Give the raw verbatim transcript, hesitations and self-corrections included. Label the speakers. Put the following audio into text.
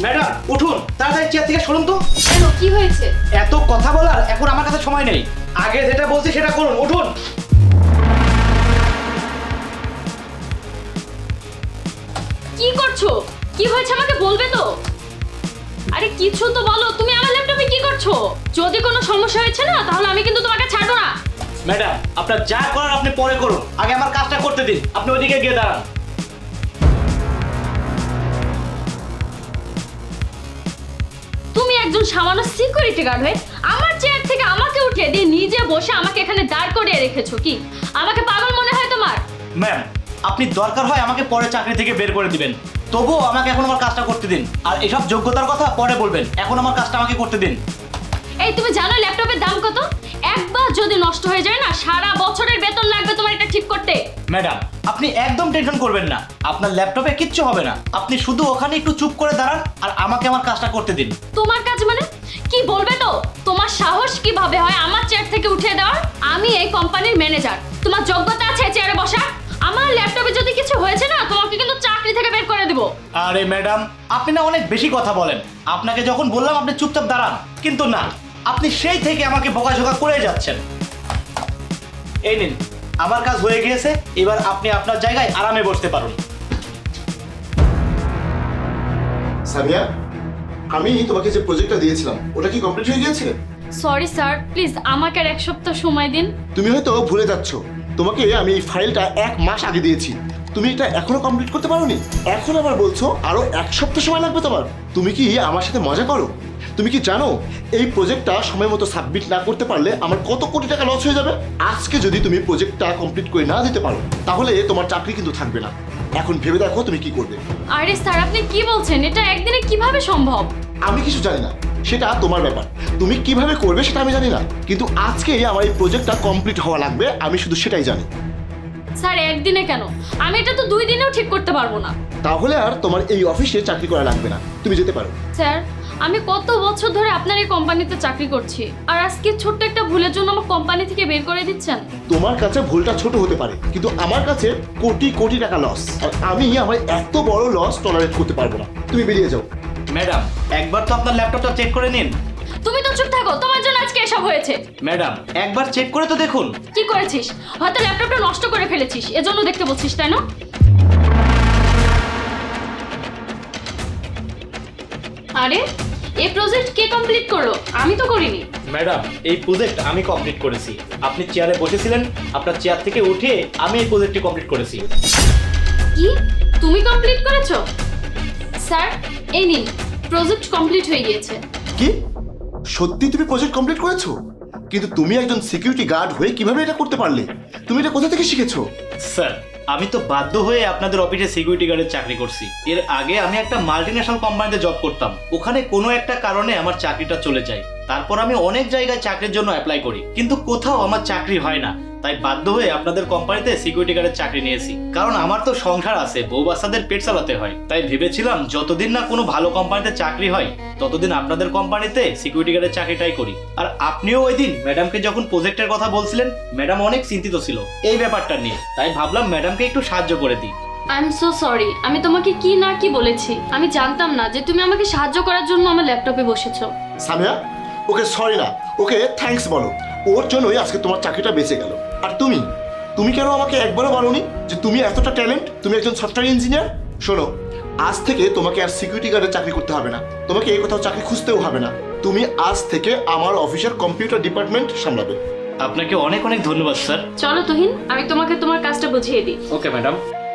Speaker 1: Madam উঠুন, তাড়াতাড়ি chair থেকে সরুন তো।
Speaker 2: কেন, কি হয়েছে?
Speaker 1: এত কথা বলার এখন আমার কাছে সময় নেই, আগে যেটা বলছি সেটা করুন, উঠুন।
Speaker 2: কি করছো? কি হয়েছে আমাকে বলবে তো? আরে কিছু তো বলো, তুমি আমার ল্যাপটপে কি করছো? যদি কোনো সমস্যা হয়েছে না তাহলে আমি কিন্তু তোমাকে ছাড়বো না।
Speaker 1: ম্যাডাম আপনার যা করার আপনি পরে করুন, আগে আমার কাজটা করতে দিন। আপনি ওইদিকে গিয়ে দাঁড়ান।
Speaker 2: তুমি একজন সামান্য সিকিউরিটি গার্ড হয়ে আমার চেয়ার থেকে আমাকে উঠিয়ে দিয়ে নিজে বসে আমাকে এখানে দাঁড় করিয়ে রেখেছো। কি আমাকে পাগল মনে হয় তোমার?
Speaker 1: ম্যাম আপনি দরকার হয় আমাকে পরে চাকরি থেকে বের করে দিবেন, তবুও আমাকে এখন আমার কাজটা করতে দিন। আর এসব যোগ্যতার কথা পরে বলবেন, এখন আমার কাজটা আমাকে করতে দিন।
Speaker 2: এই তুমি জানো ল্যাপটপের দাম কত? একবার যদি নষ্ট হয়ে যায় না, সারা বছরের বেতন লাগবে তোমার এটা ঠিক করতে।
Speaker 1: ম্যাডাম আপনি একদম টেনশন করবেন না, আপনার ল্যাপটপে কিচ্ছু হবে না। আপনি শুধু ওখানে একটু চুপ করে দাঁড়ান আর আমাকে আমার কাজটা করতে দিন।
Speaker 2: তোমার কাজ মানে কি বলবে তো? তোমার সাহস কিভাবে হয় আমার চেয়ার থেকে উঠিয়ে দেওয়ার? আমি এই কোম্পানির ম্যানেজার, তোমার যোগ্যতা আছে চেয়ারে বসা? আমার ল্যাপটপে যদি কিছু হয়েছে না, তোমাকে কিন্তু চাকরি থেকে বের করে দেব।
Speaker 1: আরে ম্যাডাম আপনি না অনেক বেশি কথা বলেন। আপনাকে যখন বললাম আপনি চুপচাপ দাঁড়ান, কিন্তু না, আপনি সেই থেকে আমাকে বকাঝকা করে যাচ্ছেন। এই নিন, আমার কাজ হয়ে গিয়েছে, এবার আপনি আপনার জায়গায় আরামে বসতে পারুন।
Speaker 3: সামিয়া, আমি তোমাকে যে প্রজেক্টটা দিয়েছিলাম ওটা কি কমপ্লিট হয়ে গিয়েছে?
Speaker 2: সরি স্যার, প্লিজ আমাকে আর এক সপ্তাহ সময় দিন।
Speaker 3: তুমি হয়তো ভুলে যাচ্ছ, তোমাকে আমি এই ফাইলটা এক মাস আগে দিয়েছি, তুমি এটা এখনো কমপ্লিট করতে পারোনি। এখন আবার বলছো আরো এক সপ্তাহ সময় লাগবে তোমার। তুমি কি আমার সাথে মজা করো? তুমি কি জানো এই প্রজেক্টটা সময় মতো সাবমিট না করতে পারলে আমার কত কোটি টাকা লস হয়ে যাবে? আজকে যদি তুমি প্রজেক্টটা কমপ্লিট করে না দিতে পারো তাহলে তোমার চাকরি কিন্তু থাকবে না। এখন ভেবে দেখো তুমি কি করবে।
Speaker 2: আরে স্যার আপনি কি বলছেন? এটা একদিনে কিভাবে সম্ভব?
Speaker 3: আমি কিছু জানি না, সেটা তোমার ব্যাপার। তুমি কিভাবে করবে সেটা আমি জানি না, কিন্তু আজকেই আমার এই প্রজেক্টটা কমপ্লিট হওয়া লাগবে, আমি শুধু সেটাই জানি।
Speaker 2: স্যার একদিনে কেন? আমি এটা তো দুই দিনেও ঠিক করতে পারবো না।
Speaker 3: তাহলে আর তোমার এই অফিসে চাকরি করা লাগবে না, তুমি যেতে পারো।
Speaker 2: স্যার আমি কত বছর ধরে আপনার এই কোম্পানিতে চাকরি করছি, আর আজকে ছোট্ট একটা ভুলের জন্য আমার কোম্পানি থেকে বের করে দিচ্ছেন?
Speaker 3: তোমার কাছে ভুলটা ছোট হতে পারে, কিন্তু আমার কাছে কোটি কোটি টাকা লস, আর আমি আমার এত বড় লস টলারেট করতে পারবো না। তুমি বেরিয়ে যাও।
Speaker 1: ম্যাডাম একবার তো আপনার ল্যাপটপটা চেক করে নিন।
Speaker 2: তুমি তো চুপ থাকো, তোমার জন্য আজকে এসব হয়েছে।
Speaker 1: ম্যাডাম একবার চেক করে তো দেখুন।
Speaker 2: কি করেছিস? হয়তো ল্যাপটপটা নষ্ট করে ফেলেছিস, এজন্য দেখতে বলছিস, তাই না? আরে এই প্রজেক্ট কে কমপ্লিট করলো? আমি তো করিনি।
Speaker 1: ম্যাডাম এই প্রজেক্ট আমি কমপ্লিট করেছি। আপনি চেয়ারে বসেছিলেন, আপনার চেয়ার থেকে উঠে আমি এই প্রজেক্টটি কমপ্লিট করেছি।
Speaker 2: কি তুমি কমপ্লিট করেছো? স্যার এই নিন, প্রজেক্ট কমপ্লিট হয়ে গিয়েছে।
Speaker 3: কি সত্যি তুমি প্রজেক্ট কমপ্লিট করেছো? কিন্তু তুমি একজন সিকিউরিটি গার্ড হয়ে কিভাবে এটা করতে পারলে? তুমি এটা কোথা থেকে শিখেছো?
Speaker 1: স্যার আমি তো বাধ্য হয়ে আপনাদের অফিসে সিকিউরিটি গার্ডের চাকরি করছি। এর আগে আমি একটা মাল্টিন্যাশনাল কোম্পানিতে জব করতাম, ওখানে কোনো একটা কারণে আমার চাকরিটা চলে যায়। তারপর আমি অনেক জায়গায় চাকরির জন্য অ্যাপ্লাই করি, কিন্তু কোথাও আমার চাকরি হয় না। তাই বাধ্য হয়ে আপনাদের কোম্পানিতে সিকিউরিটি গার্ডের চাকরি নিয়েছি, কারণ আমার তো সংসার আছে, বউ বাচ্চাদের পেট চালাতে হয়। তাই ভেবেছিলাম যতদিন না কোনো ভালো কোম্পানিতে চাকরি হয় ততদিন আপনাদের কোম্পানিতে সিকিউরিটি গার্ডের চাকরিটাই করি। আর আপনিও ওই দিন ম্যাডামকে যখন প্রজেক্টের কথা বলছিলেন, ম্যাডাম অনেক চিন্তিত ছিল এই ব্যাপারটা নিয়ে, তাই ভাবলাম ম্যাডামকে একটু সাহায্য করে দিই।
Speaker 2: আই এম সো সরি, আমি তোমাকে কি না কি বলেছি। আমি জানতাম না যে তুমি আমাকে সাহায্য করার জন্য আমার ল্যাপটপে বসেছো।
Speaker 3: সামিয়া, ওকে সরি না, ওকে থ্যাঙ্কস বলো। ওর জন্যই আজকে তোমার চাকরিটা বেঁচে গেল। আর তুমি তুমি কেন আমাকে একবারও বলোনি যে তুমি এতটা ট্যালেন্ট, তুমি একজন সফটওয়্যার ইঞ্জিনিয়ার? শোনো, আজ থেকে তোমাকে আর সিকিউরিটি গার্ডের চাকরি করতে হবে না, তোমাকে এই কোথাও চাকরি খুঁজতেও হবে না। তুমি আজ থেকে আমার অফিসের কম্পিউটার ডিপার্টমেন্ট সামলাবে।
Speaker 1: আপনাকে অনেক অনেক ধন্যবাদ স্যার।
Speaker 2: চলো তুহিন, আমি তোমাকে তোমার কাজটা বুঝিয়ে দিই।
Speaker 1: Okay madam.